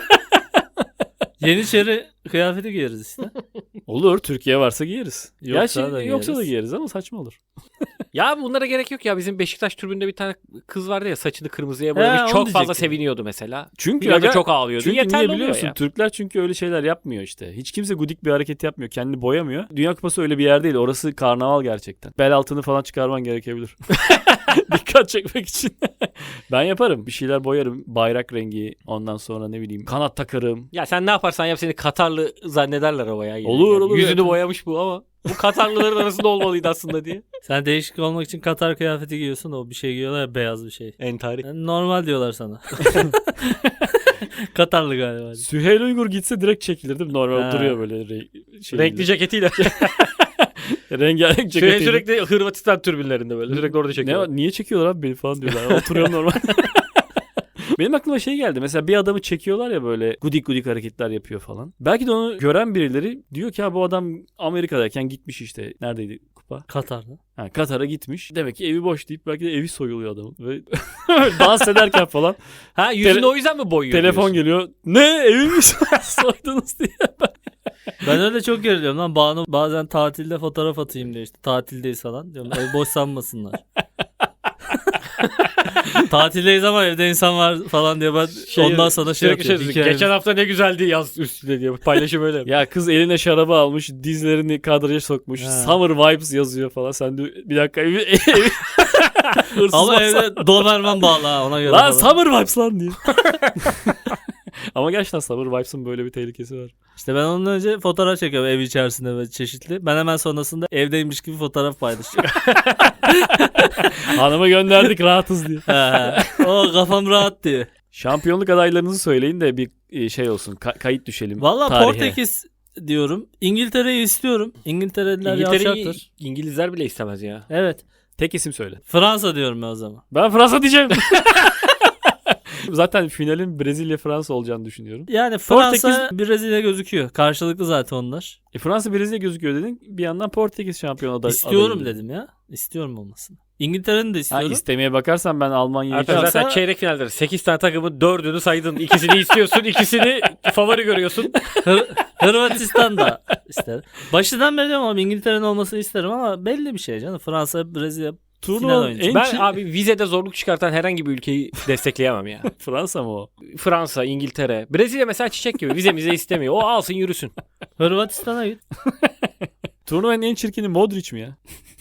[SPEAKER 1] Yeniçeri kıyafeti giyeriz işte.
[SPEAKER 2] Olur. Türkiye varsa giyeriz.
[SPEAKER 1] Yoksa da
[SPEAKER 2] yoksa da
[SPEAKER 1] giyeriz.
[SPEAKER 2] giyeriz ama saçma olur.
[SPEAKER 3] Ya bunlara gerek yok ya. Bizim Beşiktaş tribünde bir tane kız vardı ya saçını kırmızıya
[SPEAKER 1] He,
[SPEAKER 3] boyamış.
[SPEAKER 1] onu
[SPEAKER 3] Çok fazla
[SPEAKER 1] diyecektim.
[SPEAKER 3] seviniyordu mesela.
[SPEAKER 2] Çünkü
[SPEAKER 3] Biraz da
[SPEAKER 2] aga-
[SPEAKER 3] çok ağlıyordu.
[SPEAKER 2] Çünkü
[SPEAKER 3] Yeterli
[SPEAKER 2] niye
[SPEAKER 3] oluyor
[SPEAKER 2] biliyorsun?
[SPEAKER 3] ya.
[SPEAKER 2] Türkler çünkü öyle şeyler yapmıyor işte. Hiç kimse gudik bir hareket yapmıyor. Kendini boyamıyor. Dünya Kupası öyle bir yer değil. Orası karnaval gerçekten. Bel altını falan çıkarman gerekebilir. Dikkat çekmek için. Ben yaparım. Bir şeyler boyarım. Bayrak rengi. Ondan sonra ne bileyim kanat takarım.
[SPEAKER 3] Ya sen ne yaparsan yap seni Katarlı zannederler o ya.
[SPEAKER 2] Olur, olur.
[SPEAKER 3] Yüzünü
[SPEAKER 2] Evet.
[SPEAKER 3] boyamış bu ama. Bu Katarlıların arasında olmalıydı aslında diye.
[SPEAKER 1] Sen değişik olmak için Katar kıyafeti giyiyorsun. O bir şey giyiyorlar ya beyaz bir şey.
[SPEAKER 3] Entari.
[SPEAKER 1] Yani normal diyorlar sana. Katarlı galiba.
[SPEAKER 2] Süheyl Uygur gitse direkt çekilir değil mi? Normal
[SPEAKER 1] Ha.
[SPEAKER 2] duruyor böyle
[SPEAKER 3] Renkli ceketiyle.
[SPEAKER 2] Rengarenk ceketiyle.
[SPEAKER 3] Sürekli Hırvatistan türbinlerinde böyle. Sürekli orada
[SPEAKER 2] Ne
[SPEAKER 3] çekiyorlar.
[SPEAKER 2] var? Niye çekiyorlar abi beni falan diyorlar. Oturuyorum normal. Benim aklıma şey geldi. Mesela bir adamı çekiyorlar ya böyle gudik gudik hareketler yapıyor falan. Belki de onu gören birileri diyor ki ha bu adam Amerika'dayken gitmiş işte. Neredeydi kupa?
[SPEAKER 1] Katar'da.
[SPEAKER 2] Ha, Katar'a gitmiş. Demek ki evi boş deyip belki de evi soyuluyor adamın. Ve dans ederken falan
[SPEAKER 3] Ha yüzünü o yüzden mi boyuyor?
[SPEAKER 2] telefon
[SPEAKER 3] diyorsun?
[SPEAKER 2] geliyor. Ne evi mi soydunuz diye.
[SPEAKER 1] Ben öyle çok geriliyorum lan. Banu bazen tatilde fotoğraf atayım diyor işte. Tatildeyiz falan. Diyorum ev boş sanmasınlar. Tatildeyiz ama evde insan var falan diye ben ondan sonra şey
[SPEAKER 3] sürekli
[SPEAKER 1] atıyorum. Hikaye-
[SPEAKER 3] Geçen hafta ne güzeldi yaz üstüne diye paylaşım öyle.
[SPEAKER 2] Ya kız eline şarabı almış, dizlerini kadraja sokmuş.
[SPEAKER 1] Ha.
[SPEAKER 2] Summer vibes yazıyor falan. Sen de bir dakika evi hırsız
[SPEAKER 1] Ama
[SPEAKER 2] varsa-
[SPEAKER 1] evde Doberman bağlı ha ona göre.
[SPEAKER 2] Lan
[SPEAKER 1] falan.
[SPEAKER 2] Summer vibes lan diye. Ama gerçekten Summer vibes'ın böyle bir tehlikesi var.
[SPEAKER 1] İşte ben ondan önce fotoğraf çekiyorum ev içerisinde ve çeşitli. Ben hemen sonrasında evdeymiş gibi fotoğraf paylaşıyorum.
[SPEAKER 2] Hanıma gönderdik rahatız diye.
[SPEAKER 1] O kafam rahat diye.
[SPEAKER 2] Şampiyonluk adaylarınızı söyleyin de bir şey olsun. Kayıt düşelim.
[SPEAKER 1] Valla
[SPEAKER 2] tarihe.
[SPEAKER 1] Portekiz diyorum. İngiltere'yi istiyorum. İngiltereliler
[SPEAKER 3] İngiltere'yi
[SPEAKER 1] yavşaktır.
[SPEAKER 3] İngilizler bile istemez ya.
[SPEAKER 1] Evet.
[SPEAKER 2] Tek isim söyle.
[SPEAKER 1] Fransa diyorum ben o zaman.
[SPEAKER 2] Ben Fransa diyeceğim. Zaten finalin Brezilya-Fransa olacağını düşünüyorum.
[SPEAKER 1] Yani Fransa Brezilya gözüküyor. Karşılıklı zaten onlar.
[SPEAKER 2] Fransa Brezilya gözüküyor dedin. Bir yandan Portekiz şampiyon adayı.
[SPEAKER 1] İstiyorum dedim ya. İstiyorum olmasını. İngiltere'nin de
[SPEAKER 2] Ha,
[SPEAKER 1] istiyorum.
[SPEAKER 2] istemeye bakarsan ben Almanya'yı...
[SPEAKER 3] Artık zaten çeyrek finalde 8 tane takımın 4'ünü saydın. İkisini istiyorsun, ikisini favori görüyorsun.
[SPEAKER 1] Hırvatistan da isterim. Başından beri diyorum ama İngiltere'nin olmasını isterim ama belli bir şey canım. Fransa, Brezilya final
[SPEAKER 2] Turnuvanın
[SPEAKER 1] oynayacak.
[SPEAKER 2] en
[SPEAKER 3] Ben abi vizede zorluk çıkartan herhangi bir ülkeyi destekleyemem ya.
[SPEAKER 2] Fransa mı o?
[SPEAKER 3] Fransa, İngiltere. Brezilya mesela çiçek gibi vize istemiyor. O alsın yürüsün.
[SPEAKER 1] Hırvatistan'a git.
[SPEAKER 2] Turnuvanın en çirkini Modric mi ya?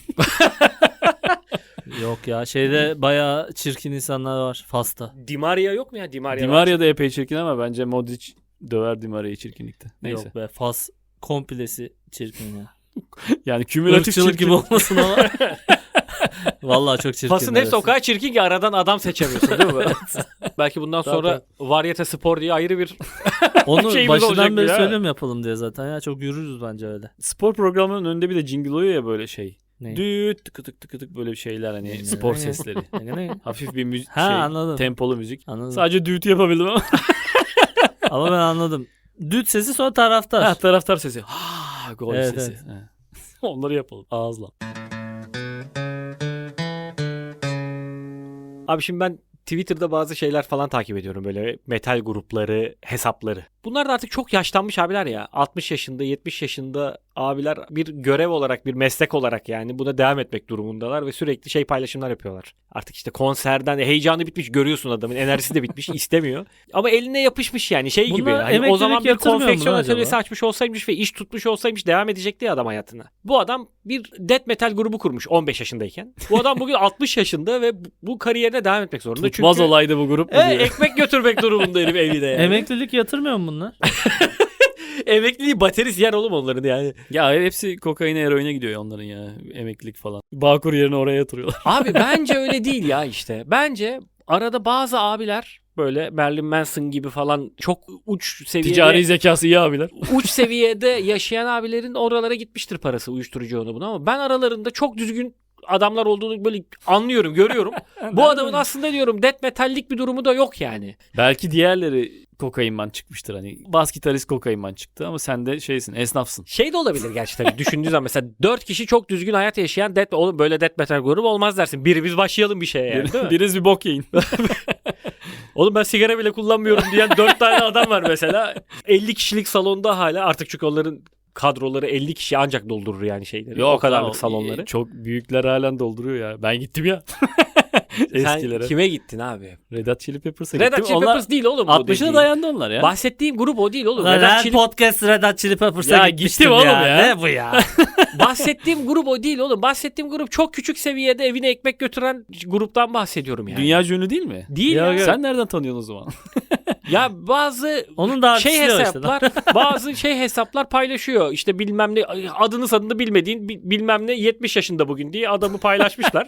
[SPEAKER 1] Yok ya şeyde bayağı çirkin insanlar var Fas'ta.
[SPEAKER 3] Di Maria yok mu ya? Di Maria.
[SPEAKER 2] Di Maria da epey çirkin ama bence Modric döver Di Maria'yı çirkinlikte. Neyse.
[SPEAKER 1] Yok be Fas komplesi çirkin ya.
[SPEAKER 2] Yani kümülatif
[SPEAKER 1] Irkçılık
[SPEAKER 2] çirkin.
[SPEAKER 1] gibi olmasın ama. Vallahi çok çirkin.
[SPEAKER 3] Fas'ın hepsi o
[SPEAKER 1] neresi.
[SPEAKER 3] kadar çirkin ki aradan adam seçemiyorsun değil mi? Belki bundan sonra Varyete Spor diye ayrı bir
[SPEAKER 1] Onu
[SPEAKER 3] şeyimiz olacak
[SPEAKER 1] başından beri
[SPEAKER 3] ya.
[SPEAKER 1] söylüyorum yapalım diye zaten ya. Çok yürürüz bence öyle.
[SPEAKER 2] Spor programının önünde bir de jingle oluyor ya böyle şey.
[SPEAKER 1] Ne?
[SPEAKER 2] Düt tıkı tık tıkı tık böyle bir şeyler hani spor sesleri. Hafif bir müzik
[SPEAKER 1] Ha, anladım.
[SPEAKER 2] tempolu müzik.
[SPEAKER 1] Anladım.
[SPEAKER 2] Sadece düt yapabildim ama.
[SPEAKER 1] Ama ben anladım. Düt sesi sonra taraftar.
[SPEAKER 2] Ha, taraftar sesi. Ha, gol
[SPEAKER 1] Evet,
[SPEAKER 2] sesi.
[SPEAKER 1] evet.
[SPEAKER 2] Ha. Onları yapalım ağızla.
[SPEAKER 3] Abi şimdi ben Twitter'da bazı şeyler falan takip ediyorum böyle metal grupları, hesapları. Bunlar da artık çok yaşlanmış abiler ya. 60 yaşında, 70 yaşında abiler bir görev olarak, bir meslek olarak yani buna devam etmek durumundalar ve sürekli şey paylaşımlar yapıyorlar. Artık işte konserden heyecanı bitmiş, görüyorsun adamın enerjisi de bitmiş, istemiyor. Ama eline yapışmış yani şey gibi.
[SPEAKER 1] Bunlar
[SPEAKER 3] Hani o
[SPEAKER 1] emeklilik
[SPEAKER 3] zaman bir
[SPEAKER 1] yatırmıyor mu
[SPEAKER 3] konfeksiyon
[SPEAKER 1] lan
[SPEAKER 3] atölyesi
[SPEAKER 1] acaba?
[SPEAKER 3] açmış olsaymış ve iş tutmuş olsaymış devam edecekti ya adam hayatına. Bu adam bir death metal grubu kurmuş 15 yaşındayken. Bu adam bugün 60 yaşında ve bu kariyerine devam etmek zorunda.
[SPEAKER 2] Tutmaz olaydı bu grup mu diyor.
[SPEAKER 3] Ekmek götürmek durumunda herif evine yani.
[SPEAKER 1] Emeklilik yatırmıyor mu bunlar?
[SPEAKER 3] Emekliliği baterist yer oğlum onların yani.
[SPEAKER 2] Ya hepsi kokaine eroine gidiyor ya onların ya emeklilik falan. Bağkur yerine oraya yatırıyorlar.
[SPEAKER 3] Abi bence öyle değil ya işte. Bence arada bazı abiler böyle Marilyn Manson gibi falan çok uç seviyede
[SPEAKER 2] Ticari zekası iyi abiler.
[SPEAKER 3] uç seviyede yaşayan abilerin oralara gitmiştir parası uyuşturucu onu bunu ama ben aralarında çok düzgün adamlar olduğunu böyle anlıyorum, görüyorum. Bu adamın aslında diyorum death metallik bir durumu da yok yani.
[SPEAKER 2] Belki diğerleri kokainman çıkmıştır hani. Bas gitarist kokainman çıktı ama sen de şeysin esnafsın.
[SPEAKER 3] Şey de olabilir gerçi tabii düşündüğün zaman mesela 4 kişi çok düzgün hayat yaşayan oğlum böyle death metal grubu olmaz dersin. Biri biz başlayalım bir şeye yani değil mi?
[SPEAKER 2] Biriniz bir bok yiyin.
[SPEAKER 3] Oğlum ben sigara bile kullanmıyorum diyen 4 tane adam var mesela. 50 kişilik salonda hala artık çünkü onların kadroları 50 kişi ancak doldurur yani şeyleri. O kadarlık salonları.
[SPEAKER 2] Çok büyükler halen dolduruyor ya. Ben gittim ya. Eskilere.
[SPEAKER 3] Sen kime gittin abi?
[SPEAKER 2] Red Hot Chili Peppers'a
[SPEAKER 3] Red
[SPEAKER 2] gittim.
[SPEAKER 3] Hot Chili Peppers değil oğlum bu
[SPEAKER 2] 60'ına
[SPEAKER 3] dediğin.
[SPEAKER 2] dayandı onlar ya.
[SPEAKER 3] Bahsettiğim grup o değil oğlum.
[SPEAKER 1] Lan
[SPEAKER 3] Red Hot
[SPEAKER 1] her
[SPEAKER 3] Chili-
[SPEAKER 1] podcast Red Hot Chili Peppers'a
[SPEAKER 2] Ya
[SPEAKER 1] gitmiştim
[SPEAKER 2] gittim oğlum ya.
[SPEAKER 1] Ne bu ya?
[SPEAKER 3] Bahsettiğim grup o değil oğlum. Bahsettiğim grup çok küçük seviyede evine ekmek götüren gruptan bahsediyorum yani.
[SPEAKER 2] Dünya ünlü değil mi?
[SPEAKER 3] Değil
[SPEAKER 1] Ya,
[SPEAKER 3] ya.
[SPEAKER 1] ya.
[SPEAKER 2] Sen nereden tanıyorsun o zaman?
[SPEAKER 3] Ya bazı
[SPEAKER 1] Onun da
[SPEAKER 3] şey
[SPEAKER 1] artısı o işte.
[SPEAKER 3] hesaplar bazı şey hesaplar paylaşıyor. İşte bilmem ne adını sanını bilmediğin bilmem ne 70 yaşında bugün diye adamı paylaşmışlar.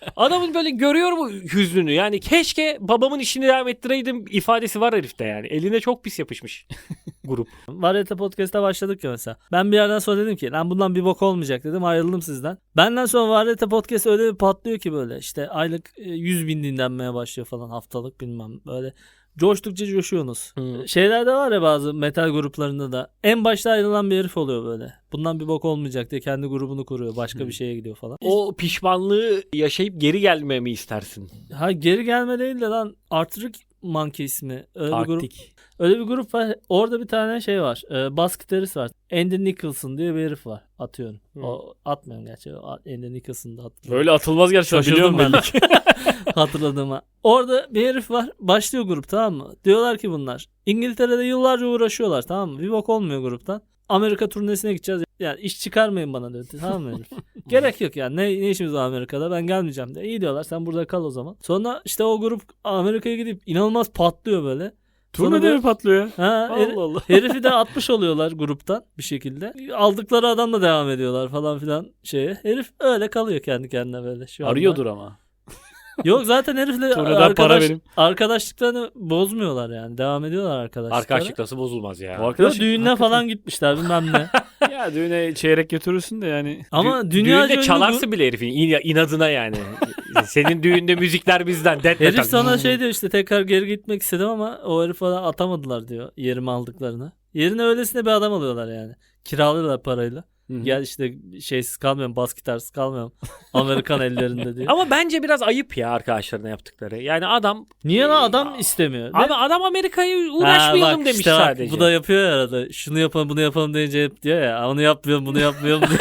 [SPEAKER 3] Adamın böyle görüyor mu hüznünü? Yani keşke babamın işini devam ettireydim ifadesi var herifte yani. Eline çok pis yapışmış grup.
[SPEAKER 1] Variete Podcast'a başladık ya mesela. Ben bir yerden sonra dedim ki lan bundan bir bok olmayacak dedim, ayrıldım sizden. Benden sonra Variete Podcast öyle bir patlıyor ki böyle işte aylık 100.000 dinlenmeye başlıyor falan, haftalık bilmem böyle. Coştukça coşuyorsunuz. Şeylerde var ya, bazı metal gruplarında da en başta ayrılan bir herif oluyor böyle. Bundan bir bok olmayacak diye kendi grubunu kuruyor. Başka bir şeye gidiyor falan.
[SPEAKER 3] O pişmanlığı yaşayıp geri gelmemi istersin.
[SPEAKER 1] Ha, geri gelme değil de lan, Arctic Monkeys mi? Öyle bir grup.
[SPEAKER 2] Arktik.
[SPEAKER 1] Öyle bir grup var. Orada bir tane şey var. Bas gitarist var. Andy Nicholson diye bir herif var. Atıyorum. O atmıyorum gerçi. Andy Nicholson'da atmıyorum.
[SPEAKER 2] Böyle atılmaz gerçekten,
[SPEAKER 1] Şaşırdım
[SPEAKER 2] biliyorum
[SPEAKER 1] ben
[SPEAKER 2] belli ki.
[SPEAKER 1] hatırladığıma. Orada bir herif var. Başlıyor grup, tamam mı? Diyorlar ki bunlar İngiltere'de yıllarca uğraşıyorlar, tamam mı? Bir bok olmuyor gruptan. Amerika turnesine gideceğiz. Yani iş çıkarmayın bana dedi. Tamam mı herif? Gerek yok yani. Ne işimiz var Amerika'da? Ben gelmeyeceğim de. İyi diyorlar. Sen burada kal o zaman. Sonra işte o grup Amerika'ya gidip inanılmaz patlıyor böyle.
[SPEAKER 2] Turnede mi patlıyor?
[SPEAKER 1] Ha,
[SPEAKER 2] Allah Allah.
[SPEAKER 1] herifi de 60 oluyorlar gruptan bir şekilde. Aldıkları adamla devam ediyorlar falan filan şeye. Herif öyle kalıyor kendi kendine böyle şu anda.
[SPEAKER 2] Arıyordur ama.
[SPEAKER 1] Yok zaten herifle
[SPEAKER 2] Turneden para verin.
[SPEAKER 1] arkadaşlıklarını bozmuyorlar yani. Devam ediyorlar arkadaşlıklarına.
[SPEAKER 3] Arkadaşlık nasıl bozulmaz ya?
[SPEAKER 2] O
[SPEAKER 1] Yok,
[SPEAKER 2] arkadaş
[SPEAKER 1] düğününe falan gitmişler bilmem ne.
[SPEAKER 2] ya düğüne çeyrek götürürsün de yani.
[SPEAKER 1] Ama dünya
[SPEAKER 3] Düğünde çalarsın bile herifin inadına yani. Senin düğünde müzikler bizden. Death
[SPEAKER 1] Herif
[SPEAKER 3] metal.
[SPEAKER 1] sana şey diyor işte, tekrar geri gitmek istedim ama o herif falan atamadılar diyor yerimi aldıklarını. Yerine öylesine bir adam alıyorlar yani. Kiralıyorlar parayla.
[SPEAKER 2] Hı-hı.
[SPEAKER 1] Gel işte şeysiz kalmıyorum, bas gitarsız kalmıyorum. Amerikan ellerinde diyor.
[SPEAKER 3] Ama bence biraz ayıp ya arkadaşlarına yaptıkları. Yani adam...
[SPEAKER 1] Niye lan, adam istemiyor?
[SPEAKER 3] Abi adam Amerika'yı uğraşmayalım
[SPEAKER 1] bak
[SPEAKER 3] demiş
[SPEAKER 1] işte bak,
[SPEAKER 3] sadece.
[SPEAKER 1] bu da yapıyor ya arada. Şunu yapalım bunu yapalım deyince hep diyor ya. Onu yapmıyorum bunu yapmıyorum diyor.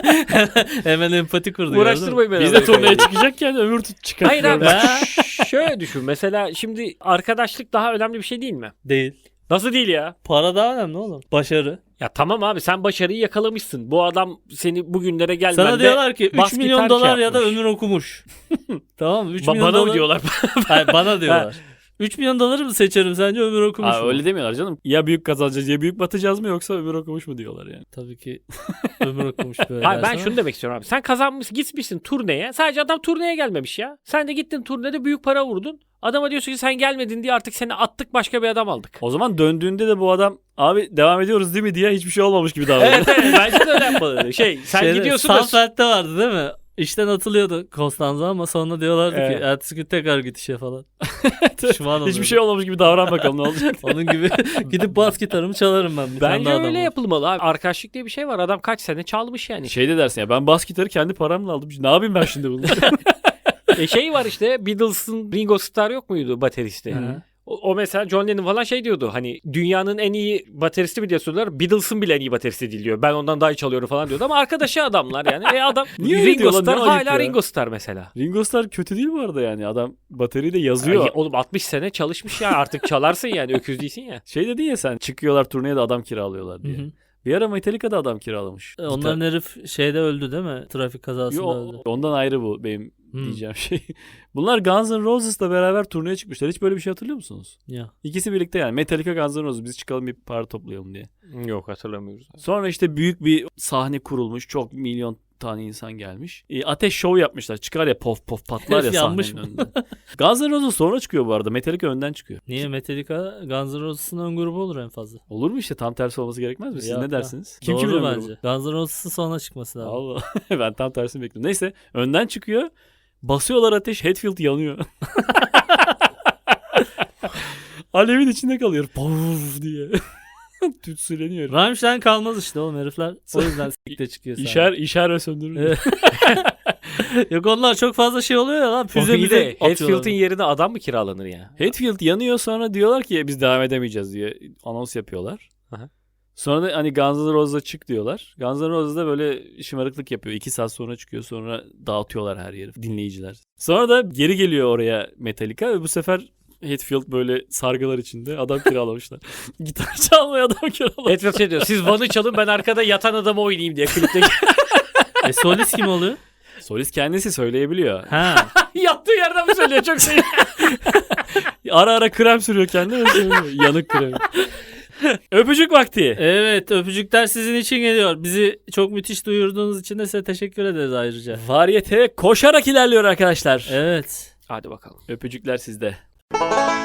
[SPEAKER 1] Hemen empati kurdu.
[SPEAKER 3] Uğraştırmayın beni.
[SPEAKER 2] Biz de turneye çıkacakken ömür çıkartıyor.
[SPEAKER 3] Hayır abi
[SPEAKER 1] Ha?
[SPEAKER 3] şöyle düşün. Mesela şimdi arkadaşlık daha önemli bir şey değil mi?
[SPEAKER 1] Değil.
[SPEAKER 3] Nasıl değil ya?
[SPEAKER 1] Para daha önemli oğlum. Başarı.
[SPEAKER 3] Ya tamam abi sen başarıyı yakalamışsın. Bu adam seni bugünlere gelmende...
[SPEAKER 1] Sana diyorlar ki 3
[SPEAKER 3] bas
[SPEAKER 1] milyon
[SPEAKER 3] gitar
[SPEAKER 1] dolar
[SPEAKER 3] şey
[SPEAKER 1] ya da
[SPEAKER 3] yapmış.
[SPEAKER 1] ömür okumuş. Tamam mı? 3 milyon
[SPEAKER 3] Bana
[SPEAKER 1] dolar.
[SPEAKER 3] mı diyorlar?
[SPEAKER 1] Hayır, bana diyorlar. 3 milyon doları mı seçerim sence, ömür okumuş mu?
[SPEAKER 2] Öyle demiyorlar canım. Ya büyük kazanacağız ya büyük batacağız mı, yoksa ömür okumuş mu diyorlar yani.
[SPEAKER 1] Tabii ki ömür okumuş böyle.
[SPEAKER 3] Hayır ben
[SPEAKER 1] dersen.
[SPEAKER 3] şunu demek istiyorum abi. Sen kazanmışsın, gitmişsin turneye. Sadece adam turneye gelmemiş ya. Sen de gittin turnede büyük para vurdun. Adama diyorsun ki sen gelmedin diye artık seni attık, başka bir adam aldık.
[SPEAKER 2] O zaman döndüğünde de bu adam abi devam ediyoruz değil mi diye hiçbir şey olmamış gibi davranıyor.
[SPEAKER 3] Evet bence de öyle yapmalı. Sen gidiyorsun da...
[SPEAKER 1] Sanfeld'de vardı değil mi? İşten atılıyordu Konstanza ama sonra diyorlardı
[SPEAKER 2] Evet.
[SPEAKER 1] ki ertesi gün tekrar git işe falan. Pişman oluyordu.
[SPEAKER 2] Hiçbir şey olmamış gibi davran bakalım ne olacak.
[SPEAKER 1] Onun gibi gidip bas gitarımı çalarım ben. Bir tane
[SPEAKER 3] Bence
[SPEAKER 1] daha adam
[SPEAKER 3] öyle
[SPEAKER 1] var.
[SPEAKER 3] yapılmalı abi. Arkadaşlık diye bir şey var. Adam kaç sene çalmış yani.
[SPEAKER 2] Şey de dersin ya, ben bas gitarı kendi paramla aldım. Ne yapayım ben şimdi bunu?
[SPEAKER 3] Şey var işte Beatles'ın Ringo Starr yok muydu bateristi?
[SPEAKER 1] Hı.
[SPEAKER 3] O mesela John Lennon falan şey diyordu. Hani dünyanın en iyi bateristi mi diye soruyorlar. Beatles'ın bile en iyi bateristi değil diyor. Ben ondan daha iyi çalıyorum falan diyordu. Ama arkadaşı adamlar yani. Adam
[SPEAKER 2] Niye öyle
[SPEAKER 3] Ringo
[SPEAKER 2] diyorlar?
[SPEAKER 3] Starr
[SPEAKER 2] Ne ayıp
[SPEAKER 3] hala
[SPEAKER 2] ya.
[SPEAKER 3] Ringo Starr mesela.
[SPEAKER 2] Ringo Starr kötü değil bu arada yani. Adam bataryayı da yazıyor.
[SPEAKER 3] Ya, oğlum 60 sene çalışmış ya, artık çalarsın yani, öküz değilsin ya.
[SPEAKER 2] Şey dedin ya sen, çıkıyorlar turneye de adam kiralıyorlar diye.
[SPEAKER 1] Hı hı.
[SPEAKER 2] Bir ara Metallica'da adam kiralamış.
[SPEAKER 1] Onların herif şeyde öldü değil mi? Trafik kazasında
[SPEAKER 2] Yo,
[SPEAKER 1] öldü.
[SPEAKER 2] ondan ayrı bu benim
[SPEAKER 1] Hmm.
[SPEAKER 2] diyeceğim şey. Bunlar Guns N' Roses'la beraber turneye çıkmışlar. Hiç böyle bir şey hatırlıyor musunuz?
[SPEAKER 1] Ya.
[SPEAKER 2] İkisi birlikte yani. Metallica, Guns N' Roses, biz çıkalım bir para toplayalım diye.
[SPEAKER 3] Yok hatırlamıyoruz.
[SPEAKER 2] Sonra işte büyük bir sahne kurulmuş. Çok milyon tane insan gelmiş. Ateş şov yapmışlar. Çıkar ya, pof pof patlar ya
[SPEAKER 1] Yanmış
[SPEAKER 2] sahnenin önünde. Guns N' Roses sonra çıkıyor bu arada. Metallica önden çıkıyor.
[SPEAKER 1] Niye Metallica Guns N' Roses'ın ön grubu olur en fazla?
[SPEAKER 2] Olur mu işte, tam tersi olması gerekmez mi? Siz
[SPEAKER 1] Yok
[SPEAKER 2] ne
[SPEAKER 1] ya.
[SPEAKER 2] dersiniz?
[SPEAKER 1] Doğru
[SPEAKER 2] kimin ön
[SPEAKER 1] bence.
[SPEAKER 2] grubu?
[SPEAKER 1] Guns N' Roses'ın sonra çıkması lazım.
[SPEAKER 2] Allah. Ben tam tersini bekliyorum. Neyse, önden çıkıyor. Basıyorlar ateş. Hetfield yanıyor. Alevin içinde kalıyor. Puf diye. Tütsüleniyor.
[SPEAKER 1] Rammstein kalmaz işte oğlum herifler. O yüzden sikte çıkıyor sadece.
[SPEAKER 2] İşer ve söndürür.
[SPEAKER 1] Evet. Yok, onlar çok fazla şey oluyor ya lan. Füze
[SPEAKER 3] Bir de
[SPEAKER 1] atıyorlar.
[SPEAKER 3] Hetfield'in yerine adam mı kiralanır ya?
[SPEAKER 2] Hetfield yanıyor, sonra diyorlar ki biz devam edemeyeceğiz diye anons yapıyorlar.
[SPEAKER 3] Aha.
[SPEAKER 2] Sonra da hani Guns N' Roses'a çık diyorlar. Guns N' Roses da böyle şımarıklık yapıyor. 2 saat sonra çıkıyor, sonra dağıtıyorlar her yeri dinleyiciler. Sonra da geri geliyor oraya Metallica ve bu sefer Hetfield böyle sargılar içinde adam kiralamışlar. Gitar çalmaya adam kiralamışlar.
[SPEAKER 3] Hetfield şey diyor, siz Van'ı çalın ben arkada yatan adamı oynayayım diye klipteki.
[SPEAKER 1] Solist kim oluyor?
[SPEAKER 2] Solist kendisi söyleyebiliyor.
[SPEAKER 1] Ha.
[SPEAKER 3] Yattığı yerden mi söylüyor? Çok şey.
[SPEAKER 2] Ara ara krem sürüyor kendine ve söylüyor. Yanık krem. Öpücük vakti.
[SPEAKER 1] Evet, öpücükler sizin için geliyor. Bizi çok müthiş duyurduğunuz için de size teşekkür ederiz ayrıca.
[SPEAKER 2] Varyete koşarak ilerliyor arkadaşlar.
[SPEAKER 1] Evet.
[SPEAKER 3] Hadi bakalım.
[SPEAKER 2] Öpücükler sizde.